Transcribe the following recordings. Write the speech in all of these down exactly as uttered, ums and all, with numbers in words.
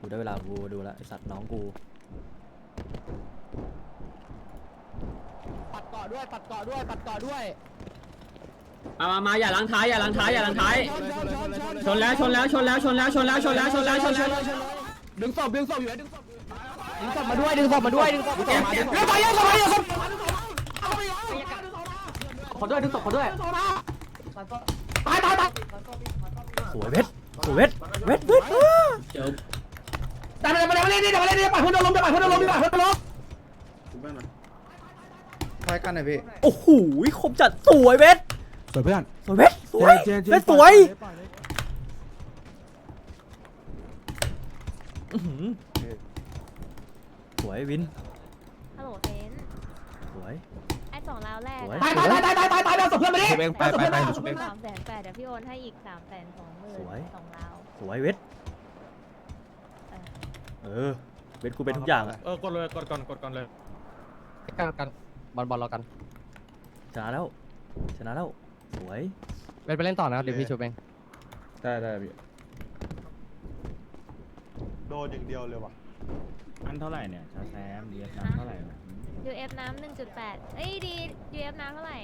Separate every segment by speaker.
Speaker 1: ได้เวลากูดูแลไอสัตว์น้องกู
Speaker 2: ปัดเกาะด้วยปัดเกาะด้วยปัดเกาะด้วย
Speaker 3: มามามาอย่าล้างท้ายอย่าล้างท้ายอย่าล้างท้ายชนแล้วชนแล้วชนแล้วชนแล้วชนแล้วชนแล้วชนแล้วชนแล้ว
Speaker 2: ดึงศพดึงศพอยู่ดึงศพดึงศพมาด้วยดึงศพมาด้วยดึงศพมาด้วยดึงศพมาด้วยขอด้วยดึงศพขอด้วยตายตายตาย
Speaker 1: สวยเวทสวยเวทเวทเวท
Speaker 3: เดี๋ยว
Speaker 2: แต่มาเลยมาเลยนี่เดี๋ยวมาเลยนี่ปล่อยเพื่อนโดนล้มเดี๋ยวปล่อยเพื่อนโดนล้มปล่อยเพื่อนโดนล้ม
Speaker 4: คล้ายกันหน่อยพี่
Speaker 1: โอ้โหคมจัดสวยเวท
Speaker 5: สวยเพื่อน
Speaker 1: สวยเวทสวยเวทสวยสวยวิน
Speaker 6: ฮัลโหลเซน
Speaker 1: สวย
Speaker 6: ไอ้สองราวแรก
Speaker 2: ตายตายตายตายตายตายเอาศพเพื่อนมาดิ
Speaker 5: ไปไปไปไป
Speaker 6: สามแสนแปดเดี๋ยวพี่โอนให้อีกสามแสนสองหมื่นสองราว
Speaker 1: สวยเวทเออเวทกูเป็นทุกอย่างอะ
Speaker 5: เออกดเลยกดก่อนกดก่อนเลย
Speaker 2: กันกันบอลบอลรอกัน
Speaker 1: ชนะแล้วชนะแล้วสวย
Speaker 2: เวทไปเล่นต่อนะครับเดี๋ยวพี่ชูเอง
Speaker 5: ได้ได้พี่โดนอย่างเดียวเลยว่ะ
Speaker 7: อันเท่าไหร่เนี่ยชาแซมดีเอฟน้ำเท่าไหร่
Speaker 6: ยูเอฟน้ำหนึ่งจุดแปดเอ้ยดียูเอฟน้ำเท่าไหร่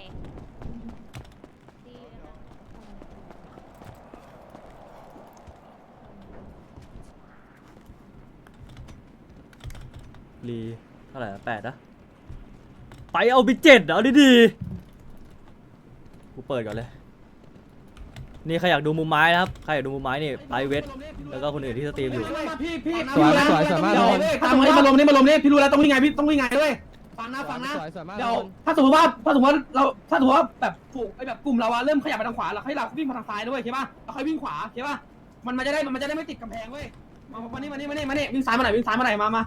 Speaker 1: รีเท่าไหร่แปดนะไปเอาไปเจ็ดเอาดีๆกูเปิดก่อนเลยนี่ใครอยากดูมุมไม้นะครับใครอยากดูมุมไม้นี่ไปเวทแล้วก็คนอื่นที่สตรีมอยู่
Speaker 2: พี่พี่สวยสวยสวยมากตามมานี่มาลมนี่มาลมนี่พี่รู้แล้วต้องวิ่งไงพี่ต้องวิ่งไงด้วยฟังนะฟังนะเดี๋ยวถ้าสมมติว่าถ้าสมมติว่าเราถ้าสมมติว่าแบบฝูงไอแบบกลุ่มเราอะเริ่มขยับไปทางขวาเราให้เราวิ่งมาทางซ้ายด้วยใช่ป่ะเราค่อยวิ่งขวาใช่ป่ะมันมันจะได้มันจะได้ไม่ติดกำแพงเว้ยมามานี่มานี่มานี่มานี่วิ่งซ้ายมาไหนวิ่งซ้ายมาไหนมามา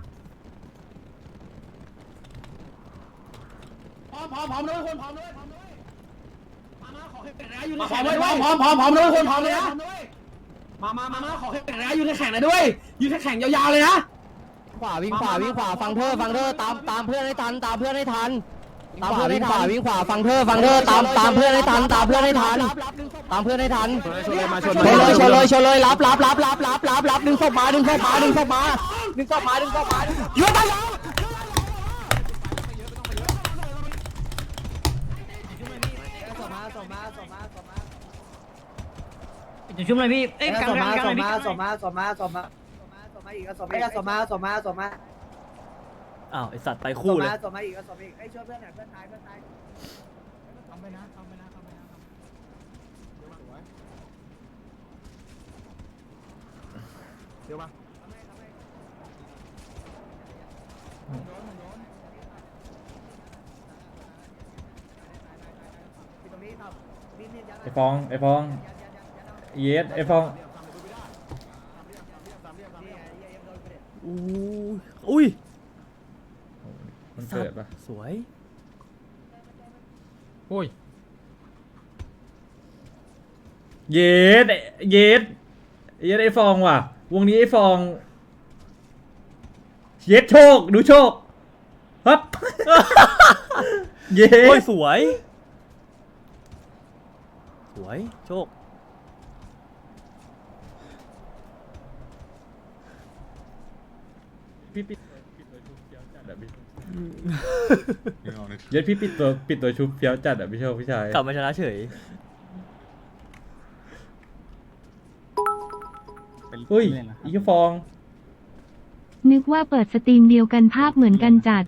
Speaker 2: พร้อมพร้อมพร้อมด้วยคนพร้อมด้วยพร้อมด้วยมามาขอให้แข่งนะอยู่ในแข่งด้วยพร้อมพร้อมพร้อมด้วยคนพร้อมเลยนะมามามามาขอให้แข่งนะอยู่ในแข่งนะด้วยอยู่ในแข่งยาวๆเลยนะขวาวิ่งขวาวิ่งขวาฟังเธอฟังเธอตามตามเพื่อนให้ทันตามเพื่อนให้ทันตามเพื่อนให้ทันวิ่งขวาฟังเธอฟังเธอตามตามเพื่อนให้ทันตามเพื่อนให้ทันตามเพื่อนให้ทันชนเลยมาชนเลยชนเลยชนเลยรับรับรับรับรับรับรับดึงศพมาดึงศพมาดึงศพมาดึงศพมาดึงศพมายืนไปแล้ว
Speaker 3: จะชุ่มเลยพี่เอ้ยกันกันกันพี่
Speaker 2: สมาสมาสมาสมาอีกสมาอีกสมาสมาสมา
Speaker 1: อ้าวไอสัตว์ไปคู่เลย
Speaker 2: สมาอีกสมาอีกไอ้ช่วยเพื่อนหน่อยเพื่อนตายเพื่อนตายทำไปนะทำไปนะทำไปนะเดี๋ยวมา
Speaker 7: ไอฟองไอฟองเยสไอฟอง
Speaker 1: อู้อุ้ย
Speaker 7: มันเกิดปะ
Speaker 1: สวย
Speaker 7: โอ้ยเยสเยสเยสไอฟองว่ะวงนี้ไอฟองเยสโชคดูโชคฮับเยส
Speaker 1: สวยสวยโชค
Speaker 7: พี่ปิดเย็ดพี่ปิดตัวปิดตัวชุบเฟี้ยวจัดอ่ะพี่โชคพี่ชาย
Speaker 1: กลับมาชนะเฉย
Speaker 7: อุ้ยอีกฟอง
Speaker 8: นึกว่าเปิดสตรีมเดียวกันภาพเหมือนกันจัด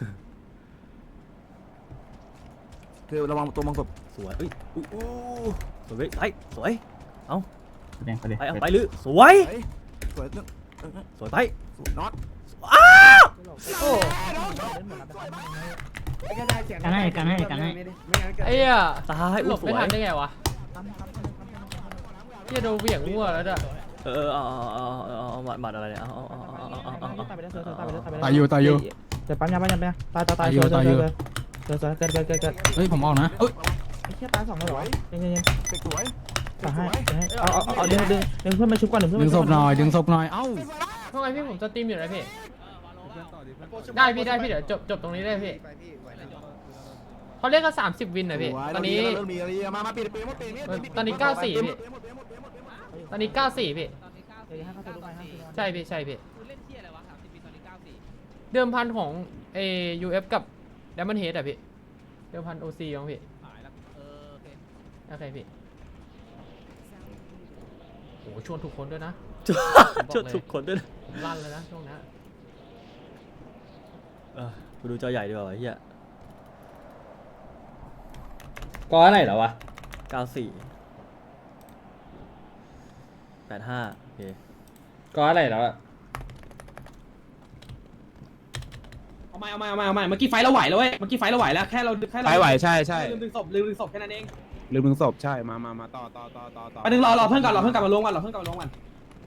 Speaker 5: คือระวังตัวมังกร
Speaker 1: สวยอุ้ยอุ้ยสวยไปสวยเอา
Speaker 7: ไปไป
Speaker 1: ไปเอาไปลือสวย
Speaker 5: สวย
Speaker 1: สวยไป
Speaker 5: น็อต
Speaker 1: อ้าว
Speaker 3: กันให้กันให้กันให้
Speaker 2: ไอ้เหี้ย
Speaker 1: ตาย
Speaker 2: หลบไม่ทันได้ไงวะเหี้ยโดนเหวี่ยงมั่วแล้วจ้ะ
Speaker 1: เออเอาเอาเอาเอาหมัดอะไรเนี่ยเอาเอาเอาเอาเอา
Speaker 5: ตายอยู่ตายอยู่
Speaker 2: แต่ปั๊มยาปั๊มยาปั๊มตายตายตายอยู่ตายอยู่เกิดเกิดเกิดเกิดเกิด
Speaker 5: เฮ้ยผมออกนะเอ้ย
Speaker 2: ไอ้เหี้ยตายสองแล้วเหรอเย็นเย็น
Speaker 5: สวย
Speaker 2: ตายให้เอาเอาเอาดึงดึงดึงเพื่อนมาชุบก่อนดึงเพื่อน
Speaker 5: ดึงศพหน่อยดึงศพหน่อยเอ้า
Speaker 2: ทำไมพี่ผมจะตีมอยู่นะพี่ได้พี่ได้พี่เดี๋ยวจบจบตรงนี้ได้พี่เขาเรียกกันสามสิบวินนะพี่ตอนนี้ตอนนี้เก้าสี่พี่ตอนนี้เก้าสี่พี่ใช่พี่ใช่พี่
Speaker 4: เดิมพันของเอยูเอฟกับดัมเบิลเฮดอะพี่เดิมพันโอซีของพี่โอเคพี่โอ้ชวนทุกคนด้วยนะ
Speaker 1: ชวนทุกคนด้วยนะ
Speaker 4: ผมลั่นเลยนะช่วงนี้
Speaker 1: เออกูดูจอใหญ่ดีกว่าไอ้เหี้ย
Speaker 7: ก็อะไรเหรอวะ
Speaker 1: เก้าสี่แปดห้าโอเค
Speaker 7: ก็อะไรแล้วอะ
Speaker 2: เอาใหม่เอาใหม่เอาใหม่เอาใหม่เมื่อกี้ไฟเราไหวแล้วเว้ยเมื่อกี้ไฟเราไหวแล้วแค่เราแค่เรา
Speaker 5: ไปไหวใช่ใช่
Speaker 2: ลืมดึงศพลืมดึงศพแค่นั้นเอง
Speaker 5: ลืมดึงศพใช่มามามาต่อต่อต่อต่อต่อ
Speaker 2: ไปดึงรอรอเพื่อนก่อนรอเพื่อนกลับมาลงก่อนรอเพื่อนกลับมาลงก่อน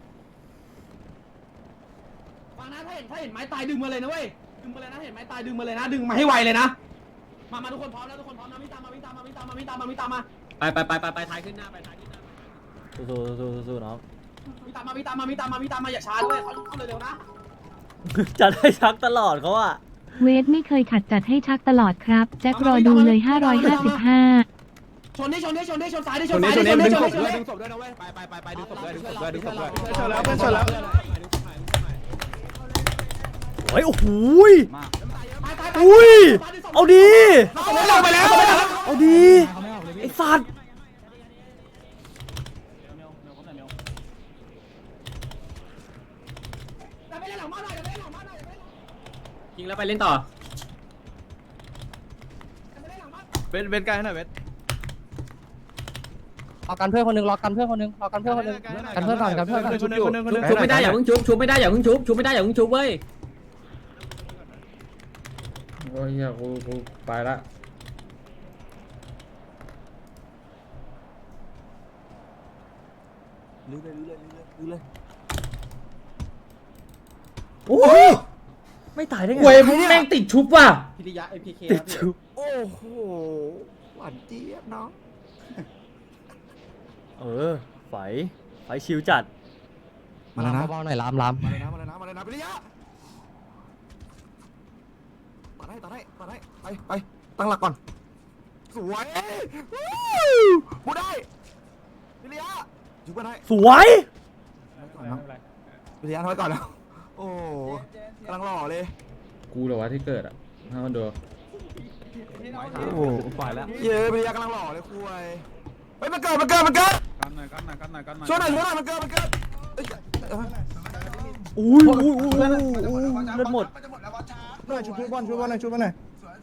Speaker 2: ฟังนะถ้าเห็นถ้าเห็นไม้ตายดึงมาเลยนะเว้ยดึงมาเลยนะเห็นไม้ตายดึงมาเลยนะดึงมาให้ไวเลยนะมามาทุกคนพร้อมแล้วทุกคนพร้อมนะวิ่งตามมาวิ่งตามมาวิ่งตามมาวิ่งตามมาวิ่งตามมา
Speaker 3: ไปไปไปไปไปท้ายขึ้นหน้าไปท้ายขึ้นหน้า
Speaker 1: สู้สู้สู้สู้สู้น้อง
Speaker 2: วิ่งตามมาวิ่งตามมาวิ่งตามมาวิ่งตามมาอย่าช้าด้วยเขาเข้าเร็วๆนะ
Speaker 1: จัดให้ชักตลอดเขาอะ
Speaker 8: เวทไม่เคยขัดจัดให้ชักตลอดครับ แจ็ครอดูเลย ห้าร้อยห้าสิบห้า
Speaker 2: ชนดิชนดิชนดิชนซ้ายดิช
Speaker 5: ช
Speaker 2: น
Speaker 5: น
Speaker 2: ซ้าย
Speaker 5: นี้
Speaker 2: ดิ
Speaker 5: ช
Speaker 2: ช
Speaker 5: น
Speaker 2: น
Speaker 5: นี้
Speaker 2: ดิ
Speaker 5: ดึง
Speaker 2: ช
Speaker 5: ศ
Speaker 2: น
Speaker 5: พ
Speaker 2: ดิ
Speaker 5: ด้วยดึงศพด้วยนะเว้ยไปไปไปดึงศพด้วยดึงศพด้วยดึงศพด้วยดึงศพด้วย
Speaker 2: ชนแล้วเพื่อนชนแล้ว
Speaker 1: โอ้ยโอ้โหยอุ้ยเอาดี
Speaker 2: ลงไปแล้ว
Speaker 1: เอาดีไอ้สัตว์
Speaker 3: ยิงแล้วไปเล่นต่อ
Speaker 5: เว้นเว้นใกล้หน่อยเว้น
Speaker 9: รอกันเพื่อนคนหนึงรอกันเพื่อนคนหนึงรอกันเพื่อนคนหนึงกันเพื่อนก่อนกันเพื่อนก่อน
Speaker 5: ชุบอยู่
Speaker 3: ชุบไม่ได้อย่าเพิ่งชุบชุบไม่ได้อย่าเพิ่งชุบชุบไม่ได้อย่าเพิ่งชุบเว้ย
Speaker 7: โอ้ยเหี้ยกูกูไปละ
Speaker 1: โอ้ยไม่ตายได้ไง
Speaker 7: เว้ยมึงแม่งติดชุบว่ะ
Speaker 2: พิริยะไอพีเค
Speaker 1: ติดชุบ
Speaker 5: โอ้โหหวานเจี๊ยบน้อง
Speaker 1: เออไฟไฟชิวจัด
Speaker 5: มาแล้วนะ
Speaker 9: เบาๆหน่อยลามลาม
Speaker 5: มาเลยนะมาเลยนะมาเลยนะพิริยะต่อได้ต่อได้ต่อได้ไปไปตั้งหลักก่อนสวยบูได้พิริยะชุบกันได้
Speaker 1: สวย
Speaker 5: พิริยะถอยก่อนแล้วโอ้กำลังหล่อเลย
Speaker 7: กูเหรอวะที่เกิดอ่ะถ้ามันดู
Speaker 5: โอ้ปล่อยแล้วเย้พิริยะกำลังหล่อเลยคุยเฮ้ยมันเกิดมันเกิดมันเกิด
Speaker 9: กันหน่อยกันหน่อยกันหน่อยกันหน่อย
Speaker 5: ช่วยหน่อยช่วยหน่อยมันเกิดมันเกิดเอ้ยเอ้ย
Speaker 1: อุ้ยอุ้ยอุ้ยอุ้ยเลือดหมด
Speaker 5: หน่อยชุบชุบบอลชุบบอลหน่อยชุบบอลหน่อย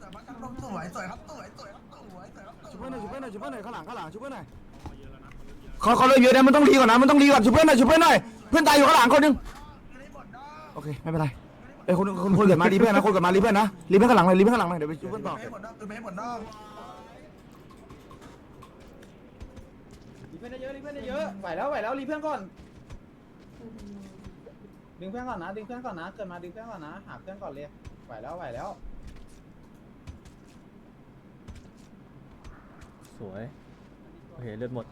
Speaker 5: ชุบเพื่อนหน่อยชุบเพื่อนหน่อยชุบเพื่อนหน่อยข้างหลังข้างหลังชุบเพื่อนหน่อยเขาเขาเลยเยอะนะมันต้องรีก่อนนะมันต้องรีก่อนชุบเพื่อนหน่อยชุบเพื่อนหน่อยเพื่อนตายอยู่ข้างหลังคนหนึงโอเคไม่เป็นไรเอ้ยคนคนคนเกิดมารีเพื่อนนะคนเกิดมารีเพื่อนนะรีเพื่อนข้างหลังเลยรีเพื่อนข้างหลังเลยเดี๋ยวไปชุบเพื่อนต่อ
Speaker 2: เพื่อนเยอะรีเพื่อนเยอะไหวแล้วไหวแล้วรีเพื่อนก่อนดึงเพื่อนก่อนนะดึงเพื่อนก่อนนะเกิดมาดึงเพื่อนก่อนนะหาเพื่อนก่อนเลยไหวแล้วไหวแล้ว
Speaker 1: สวยโอเคเลือดหมด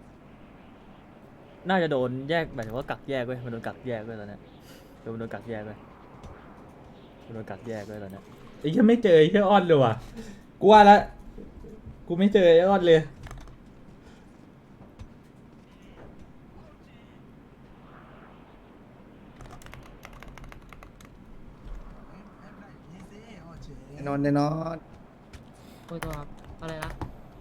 Speaker 1: น่าจะโดนแยกหมายถึงว่ากักแยกเว้ยมันโดนกักแยกเว้ยตอนเนี้ยโดนโดนกักแยกเว้ยมันโดนกักแยกเว้ยตอนเนี้ย
Speaker 7: ไอ้เหี้ยไม่เจอไอ้เหี้ยอ้อนเลยว่ะกูว่าละกูไม่เจอไอ้อ้อนเลย
Speaker 5: นอนนอน
Speaker 9: โอ้ยตัวครับอะไรนะ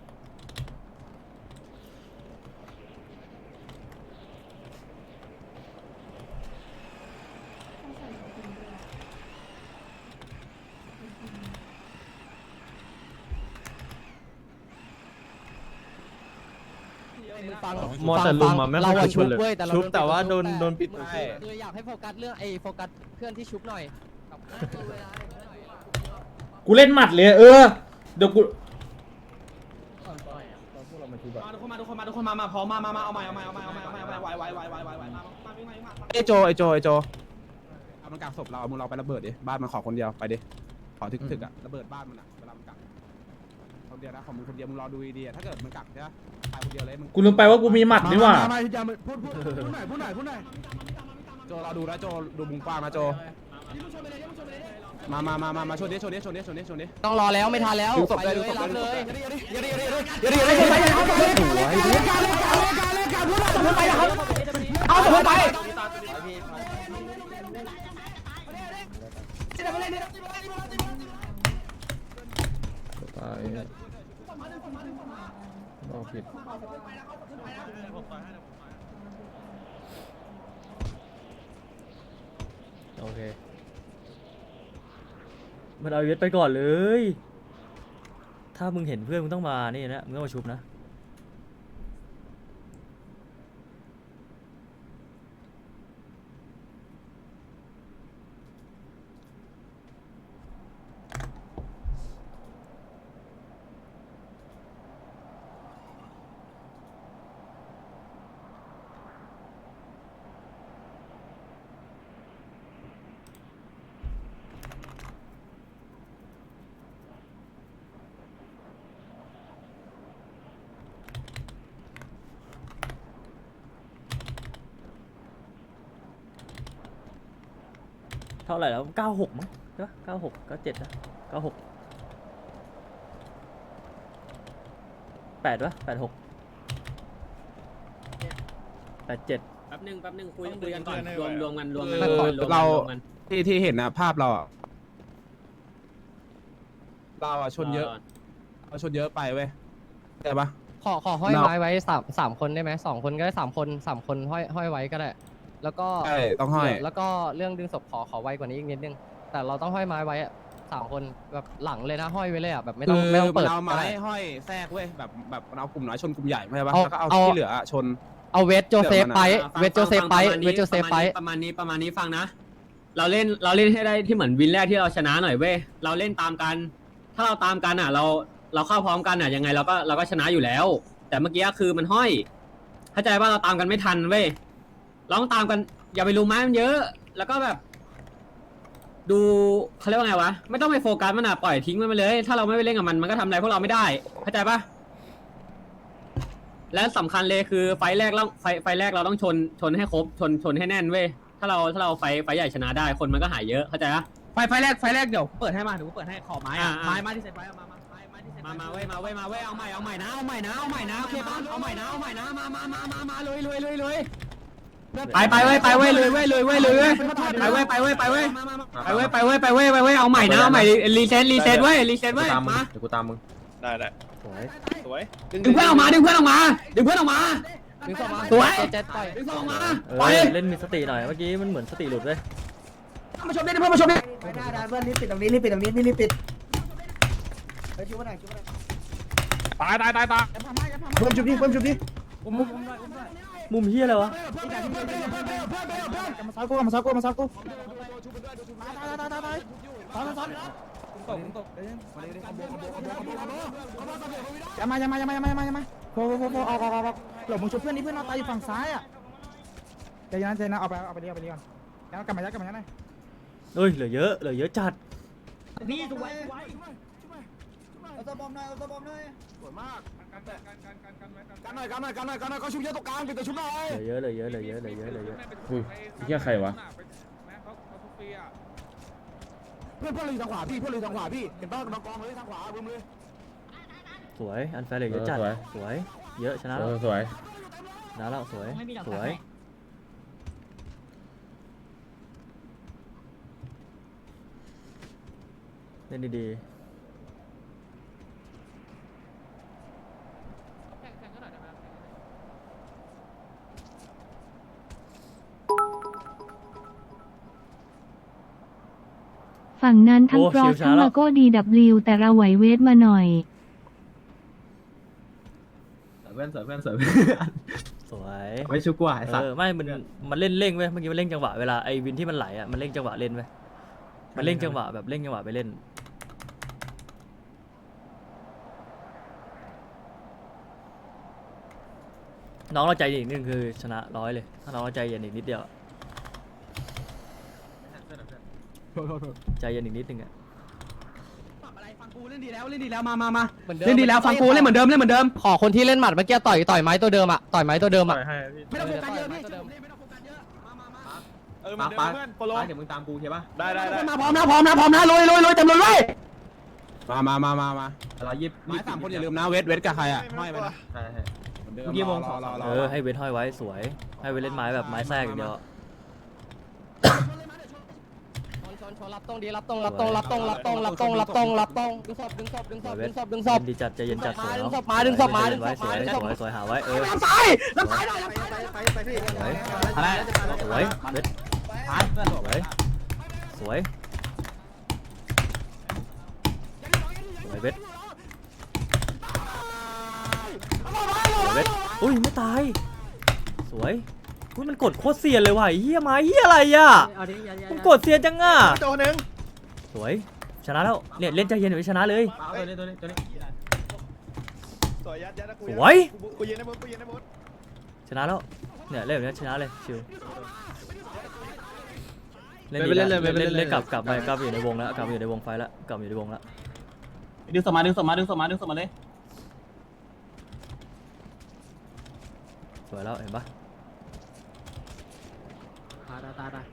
Speaker 9: มอแต่ลุมมาไม่ค่อยชุบเลยชุบแต่ว่าโดนโดน
Speaker 5: ปิด
Speaker 9: เลยอยากให้โฟกัสเรื่องไอ้โฟกัสเพื่อนที่ชุบหน่อย
Speaker 7: กูเล่นหมัดเลยเออเดี๋ยวกู
Speaker 2: มาทุกคนมาทุกคนมาทุกคนมามาพร้อมมามามาเอาใหม่เอาใหม่เอาใหม่เอาใหม่เอาใหม่ไหวไหวไหวไหวไหวไหวมามาวิ่งมาวิ่งมา
Speaker 5: ไอโจไอโจไอโจเอามันกักศพเราเอามึงเราไประเบิดดิบ้านมันขอคนเดียวไปดิขอถึกๆอ่ะระเบิดบ้านมันอ่ะเวลามันกักคนเดียวนะของมึงคนเดียวมึงรอดูดีๆถ้าเกิดมันกักใช่ไหมตายคนเดียวเลยมึง
Speaker 7: กูลืมไปว่ากูมีหมัดนี่หว่า
Speaker 5: มาอย่าพูดพูดพูดหน่อยพูดหน่อยพูดหน่อยโจเราดูนะโจดูมุมกว้างนะโจมามามามามาชนดิชนดิชนดิชนดิชนดิ
Speaker 9: ต้องรอแล้วไม่ทันแล้ว
Speaker 5: ดึงศพ
Speaker 9: ไป
Speaker 5: เลย
Speaker 9: เล
Speaker 5: ดึงศ
Speaker 9: ย
Speaker 5: พ
Speaker 9: รับ
Speaker 5: เล
Speaker 9: เลย ย
Speaker 5: เดี๋ยวเดี๋ยวเดี๋ยวเดี๋ยวเดี๋ยวเดี๋ยวเดี๋ยวเอาศพไป
Speaker 7: ตายบอกผิด
Speaker 1: โอเคมันเอาเวทไปก่อนเลย ถ้ามึงเห็นเพื่อนมึงต้องมานี่นะมึงต้องมาชุบนะเท่าไหร่แล้วเก้าหกมั้งใช่ปะเก้าหกเก้าเจ็ดนะเก้าหกแปดวะแปดหกแปดเจ็ด
Speaker 3: แป๊บนึงแป๊บนึงคุยคุยกันก่อนรวมรวมกันรวมกัน
Speaker 5: เรา
Speaker 3: รวมกัน
Speaker 5: ที่ที่เห็นนะภาพเราอะเราอะชนเยอะเราชนเยอะไปเว้ยแต่ปะ
Speaker 9: ขอขอห้อยไม้ไว้สามสามคนได้ไหมสองคนก็ได้สามคนสามคนห้อยห้อยไว้ก็ได้ แล้วก็
Speaker 5: ใช่ต้องห้อย
Speaker 9: แล้วก็เรื่องดึงศพขอขอไวกว่านี้อีกนิดนึงแต่เราต้องห้อยไม้ไว้อะสามคนแบบหลังเลยนะห้อยไว้เลยอ่ะแบบไม่ต้องไม่ต้องเปิด
Speaker 5: เอา
Speaker 9: ก็
Speaker 5: ไม้
Speaker 9: ได้
Speaker 5: ห้อยแทรกเว้ยแบบแบบมันเอากลุ่มน้อยชนกลุ่มใหญ่ไม่ใช่ปะ
Speaker 9: เอา
Speaker 5: แล้วก็เอา
Speaker 9: เอา
Speaker 5: ที่เหลืออะชน
Speaker 9: เอาเวทโจเซฟไป
Speaker 3: ฟัง
Speaker 9: เวทโจเซฟไป
Speaker 3: ฟัง
Speaker 9: เวทโจเซฟไป
Speaker 3: ประมาณนี้ประมาณนี้ฟังนะ เราเล่นเราเล่นให้ได้ที่เหมือนวินแรกที่เราชนะหน่อยเว้ยเราเล่นตามกัน ถ้าเราตามกันอ่ะ เราเราเข้าพร้อมกันอ่ะยังไงเราก็เราก็ชนะอยู่แล้ว แต่เมื่อกี้คือมันห้อยเข้าใจว่าเราตามกันไม่ทันเว้ยเราต้องตามกันอย่าไปรู้ไม้มันเยอะ แล้วก็แบบ ดูเขาเรียกว่าไงวะไม่ต้องไปโฟกัสมันอ่ะปล่อยทิ้งมันไปเลย ถ้าเราไม่ไปเล่นกับมันมันก็ทำอะไรพวกเราไม่ได้เข้าใจปะและสำคัญเลยคือไฟแรกเราไฟไฟแรกเราต้องชนชนให้ครบชนชนให้แน่นเว้ยถ้าเราถ้าเราไฟไฟใหญ่ชนะได้คนมันก็หายเยอะเข้าใจปะ
Speaker 2: ไฟไฟแรกไฟแรกเดี๋ยวเปิดให้มาเดี๋ยวกูเปิดให้ขอไม้อะ
Speaker 3: อ่า
Speaker 2: ไม้ไม้ที่เสร็จไว้เอามามาไม้ไม้ที่เสร็จ
Speaker 3: มามาเว้ยมาเว้ยมาเว้ยเอาใหม่เอาใหม่นะเอาใหม่นะเอาใหม่นะโอเคป่ะเอาใหม่นะเอาใหม่นะมามามามามาลุยลุยลุยลุยไปไปเว้ยไปเว้ยเลยเว้ยเลยเว้ยเลยเว้ยไปเว้ยไปเว้ยไปเว้ยไปเว้ยไปเว้ยไปเว้ยไปเว้ยเอาใหม่นะเอาใหม่รีเซ็ตรีเซ็ตเว้ยรีเซ็ตเว้ยมา
Speaker 7: เดี๋ยวกูตามมึง
Speaker 10: ได้ได้
Speaker 1: สวย
Speaker 10: สวย
Speaker 3: ดึงเพื่อนออกมาดึงเพื่อนออกมาดึงเพื่อนออกมา
Speaker 9: ดึงศพมา
Speaker 3: สวย
Speaker 9: เจ็ดปล่อย
Speaker 3: ดึงเพื่อนออกมา
Speaker 1: เอ
Speaker 3: ไป
Speaker 1: อเล่นมีสติหน่อยเมื่อกี้มันเหมือนสติหลุดเว้ย
Speaker 2: มาชมดิเพื่อนมาชมดิ
Speaker 11: ไม่ได้ได้เพื่อนรีบปิดตรงนี้รีบปิดตรงนี้พี่รีบปิดไปชุบมาหน่อยชุบมาหน่อย
Speaker 10: ตายตายตายตาย
Speaker 11: เพิ่มชุบดิเพิ่มชุบดิ
Speaker 1: มุมเฮียอะไรวะ
Speaker 11: มาซ้ายกูมาซ้ายกูมาซ้ายกูอย่ามาอย่ามาอย่ามาอย่ามาอย่ามาอย่ามาโผล่โผล่โผล่ออกออกออกหลบมึงชุบเพื่อนนี่เพื่อนเราตายอยู่ฝั่งซ้ายอ่ะใจเย็นใจเย็นเอาไปเอาไปเรียกเอาไปเรียกก่อนแล้วกลับมายัดกลับมายัดหน่อย
Speaker 1: เอ้ยเหลือเยอะเหลือเยอะจัด
Speaker 2: นี่ถูกไว้
Speaker 11: เอาตัวบอมหน่อยเอาตัวบอมหน่อย
Speaker 5: สวยมากกันหน่อยกันหน่อยกันหน่อยกันหน่อยเขาชุบเยอะตรงกลางปิดตัวชุบหน่อย
Speaker 1: เหลือเยอะเหลือเยอะเหลือเยอะเหลือเยอะเหลือเยอะ
Speaker 7: อุ้ยเฮียใครวะ
Speaker 5: เพื่อนเพื่อนเลยทางขวาพี่เพื่อนเลยทางขวาพี่เห็นป่ะน้องกองเลยทางขวาบึ้มเลย
Speaker 1: สวยอันแฟร์เหลือเยอะจัดสวยเยอะชนะ
Speaker 7: เอ
Speaker 1: แล้ว
Speaker 7: อสวย
Speaker 1: ชนะแล้วสวยสวยเล่นดีๆ
Speaker 8: ฝั่งนั้นทั้ง
Speaker 1: โอ้
Speaker 8: กรอส
Speaker 1: ชิวช้า
Speaker 8: ทั้ง
Speaker 1: แล้ว
Speaker 8: มาโก้ดีดับลิวแต่เราไหวเวทมาหน่อย
Speaker 3: เพื่อนสวยเพื่อนสวย
Speaker 1: สวย
Speaker 3: ไม่ชุกว่าไอ้สัต
Speaker 1: เอ
Speaker 3: ว์
Speaker 1: อไม่มันมันเล่นเร่งเว้ยเมื่อกี้มันเร่งจังหวะเวลาไอ้วินที่มันไหลอ่ะมันเร่งจังหวะเล่นเว้ยมันเร่งจังหวะแบบเร่งจังหวะไปเล่นน้องเราใจเย็นอีกนิดนึงคือชนะร้อยเลยถ้าน้องเราใจเย็นอีกนิดเดียวอะใจเย็นอีกนิดนึงอะ
Speaker 2: อะไรฟังกูเล่นดีแล้วเล่นดีแล้วมามามา
Speaker 9: เหมือนเดิม
Speaker 2: เล่นดีแล้วฟังกูเล่นเหมือนเดิมเล่นเหมือนเดิม
Speaker 9: ขอคนที่เล่นหมัดเมื่อกี้ต่อยต่อยไม้ตัวเดิมอ่ะต่อยไม้ตัวเดิมอ่ะ
Speaker 2: ไม่ต้องโฟกัสเยอะพี่ไม่ต้องโฟกัสเยอะมามามา
Speaker 10: เออมันเดินเพื่อนโปรโล
Speaker 3: เดี๋ยวมึงตามกูใช่ปะ
Speaker 10: ได้ได้ได้
Speaker 2: มาพร้อมนะพร้อมนะพร้อมนะลุยลุยลุยเต็มเลย
Speaker 5: มามามามามา
Speaker 3: เรายิบ
Speaker 5: ไม้สามคนอย่าลืมนะเวทเวทกับใครอ่ะห้อยไปนะ
Speaker 3: ใช่ใช่
Speaker 5: เหมือนเดิม
Speaker 3: เมื่อกี้วง
Speaker 5: รอรอรอ
Speaker 1: เออให้เวทห้อยไว้สวยให้เวทเล่นไม้แบบไม้แทรกอย่างเดียวอะ
Speaker 9: ชนชนชรับตรงดีรับตรงรับตรงรับตรงรับตรงรับตรงรับตรงรับตรงดึงศพดึงศพดึงศพดึงศพดึงศพ
Speaker 1: ดีจัดใจเย็นจัดสวย
Speaker 9: ดึ
Speaker 1: เนาะ
Speaker 9: งศพมาดึงศพมาดึงศพ
Speaker 1: ส
Speaker 9: มา
Speaker 1: วย
Speaker 9: ดึง
Speaker 1: ส
Speaker 9: ศพ
Speaker 1: วยสวยหาไว้เออ
Speaker 2: รับซ้ายรับซ้ายหน่อย
Speaker 1: สวยสวยเวทสวยสวยสวยเวทสวยเวทอุ้ยไม่ตายสวยอุ้ยมันกดโคตรเซียนเลยว่ะเฮียมาเฮียอะไรอ่ะมันกดเซียนจังอ่ะ
Speaker 10: ตัวหนึ่ง
Speaker 1: สวยชนะแล้วเนี่ยเล่นใจเย็นเดี๋ยวชนะเลย
Speaker 10: ตัวนี้ตัวนี้ตัวนี้สวยยัดยัดนะกู
Speaker 1: สวย
Speaker 10: กูยืนในมุดกูยืนในมุด
Speaker 1: ชนะแล้วเนี่ยเล่นแบบนี้ชนะเลยชิวเล่นดี
Speaker 3: ไม่เป็นไร
Speaker 1: แล้ว
Speaker 3: ไม่เป็นไร
Speaker 1: เล่นเล่นกลับกลับไปกลับอยู่ในวงแล้วกลับอยู่ในวงไฟแล้วกลับอยู่ในวงแล้ว
Speaker 3: ดึงศพมาดึงศพมาดึงศพมาดึงศพมาเลย
Speaker 1: สวยแล้วเห็นปะ
Speaker 3: ตายตายตายตาย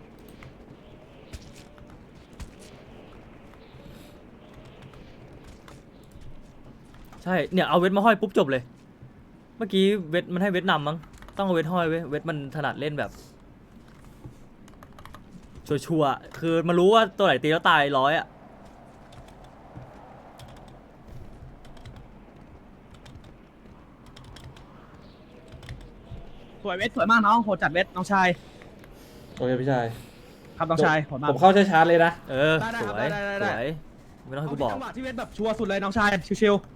Speaker 1: ใช่เนี่ยเอาเวทมาห้อยปุ๊บจบเลย เมื่อกี้เวทมันให้เวทนำมั้งต้องเอาเวทห้อยเว้ยเวทมันถนัดเล่นแบบชัวร์ๆคือมันรู้ว่าตัวไหนตีแล้วตายร้อยอ่ะ
Speaker 2: สวยเวทสวยมากน้องโหดจัดเวทน้องชาย
Speaker 7: โอเคพี่ชาย
Speaker 2: ครับน้องชายโหดมาก
Speaker 7: ผมเข้าช้าๆเลยนะ
Speaker 1: เออ
Speaker 2: ได้ได้
Speaker 1: ส
Speaker 2: ครับ
Speaker 1: วย
Speaker 2: ได้ได้
Speaker 1: ส
Speaker 2: ได้
Speaker 1: วยไม่ต้องให้กูบอก
Speaker 2: จังหวะที่เวทแบบชัวร์สุดเลยน้องชายชิวๆ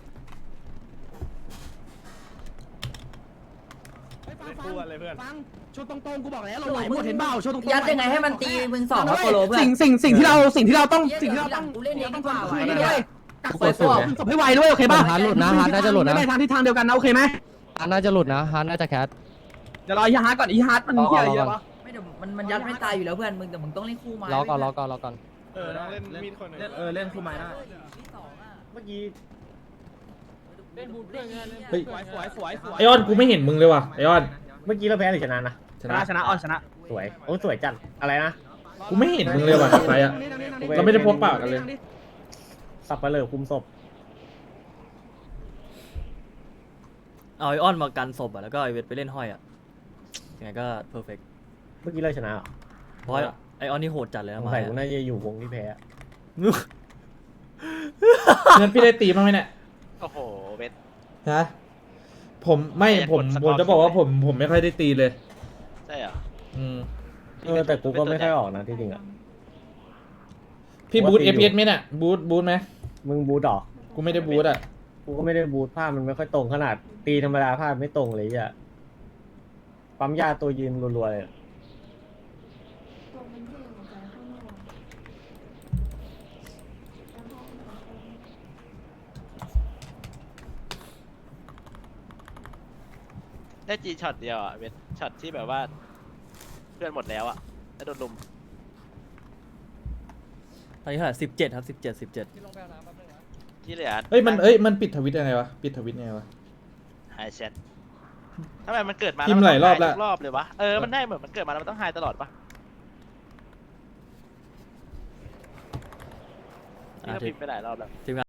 Speaker 2: ฟังฟังชนตรงๆกูบอกแล้วเราไหวหมดเห็นเปล่าชนตรงๆ
Speaker 11: ยัดยังไงให้มันตีมึงสองโปโลเพื่อน
Speaker 2: สิ่งสิ่งสิ่งที่เราสิ่งที่เราต้องสิ่งที่เราต้อง
Speaker 11: กูเล่นเองดีกว่า
Speaker 2: คุยนี่ด้วยกักศพศพให้ไวด้วยโอเคป่ะ
Speaker 9: ฮาร์ดหลุดนะฮาร์ดน่าจะหลุดนะ
Speaker 2: ไม่ทางทิศทางเดียวกันนะโอเคไหม
Speaker 9: ฮาร์ดน่าจะหลุดนะฮาร์ดน่าจะแคส
Speaker 2: เดี๋ยวรออีฮาร์ดก่อนอีฮาร์ดมันเหี้ยเยอะปะ
Speaker 11: ไม่เดี๋ยวมันมันยัดไม่ตายอยู่แล้วเพื่อนมึงแต่มึงต้องเล่นคู่ไม้
Speaker 9: รอก่อนรอก่อนรอก่อน
Speaker 10: เออเล่นมีดคนหนึ่ง
Speaker 2: เออเล่นคู่ไม้ได้
Speaker 10: เมื่อกี้
Speaker 4: เล่นบูทด้วยไงเล่น
Speaker 7: เฮ้ย
Speaker 2: สวยสวยสวยสวย
Speaker 7: ไอออนกูไม่เห็นมึงเลยว่ะไอออน
Speaker 3: เมื่อกี้เราแพ้หรือชนะนะ
Speaker 7: ช
Speaker 2: ช
Speaker 7: นะ
Speaker 2: นะชนะออนชนะ
Speaker 3: สวยโอ้สวยจัดอะไรนะ
Speaker 7: กูไม่เห็นมึงเลยว่ะไฟอะ เราไม่ได้พบปะกันเลย
Speaker 3: สับปะเลอคุมศพ
Speaker 1: เอาไอออนมากันศพอ่ะแล้วก็ไอเวทไปเล่นห้อยอ่ะยังไงก็เพอร์เฟกต์
Speaker 3: เมื่อกี้เราชนะเหรอ
Speaker 1: เพราะไอออนนี่โหดจัดเลย
Speaker 3: ส
Speaker 1: นะ
Speaker 3: ง
Speaker 1: มา
Speaker 3: สัยกูน่าจะอยู่วงที่แพ้
Speaker 7: เงินพี่ได้ตีบ้างไหมเนี่ย
Speaker 10: โอ้โหเวท
Speaker 7: ฮะผมไม่ผมผมจะบอกว่าผมผมไม่ค่อยได้ตีเลย
Speaker 10: ใช่เหรอ
Speaker 7: อืม
Speaker 3: เออแต่กูก็ไม่ค่อยออกนะที่จริงอ่ะ
Speaker 7: พี่บูทเอฟเอสไหมเนี่ยบูทบูทไหม
Speaker 3: มึงบูทหรอ
Speaker 7: กูไม่ได้บูทอ่ะ
Speaker 3: กูก็ไม่ได้บูทภาพมันไม่ค่อยตรงขนาดตีธรรมดาภาพไม่ตรงเลยอ่ะปั๊มยาตัวยืนรัวๆเลย
Speaker 10: ได้จีช็อตเดียวอ่ะเวทช็อตที่แบบว่า เพื่อนหมดแล้วอ่ะแล้วโดนลุม
Speaker 1: ตอนนี้เท่าไหร่สิบเจ็ดครับสิบเจ็ดสิบเจ็ด
Speaker 10: ที่เหลือ
Speaker 7: เอ้ยมันเอ้ยมันปิดทวิตยังไงวะปิดทวิตยังไงวะ
Speaker 10: หายแชททำไมมันเกิดมา
Speaker 7: พิมพ์หลายรอบ
Speaker 10: แล้
Speaker 7: แล้ว ว
Speaker 10: ทุกรอบเลยวะเออมันได้เหมือนมันเกิดมาแล้วมันต้องหายตลอดปะ
Speaker 1: อ่ะ
Speaker 10: ที่เราพิมพ์ไปหลายรอบแล้ว
Speaker 1: ทีมงาน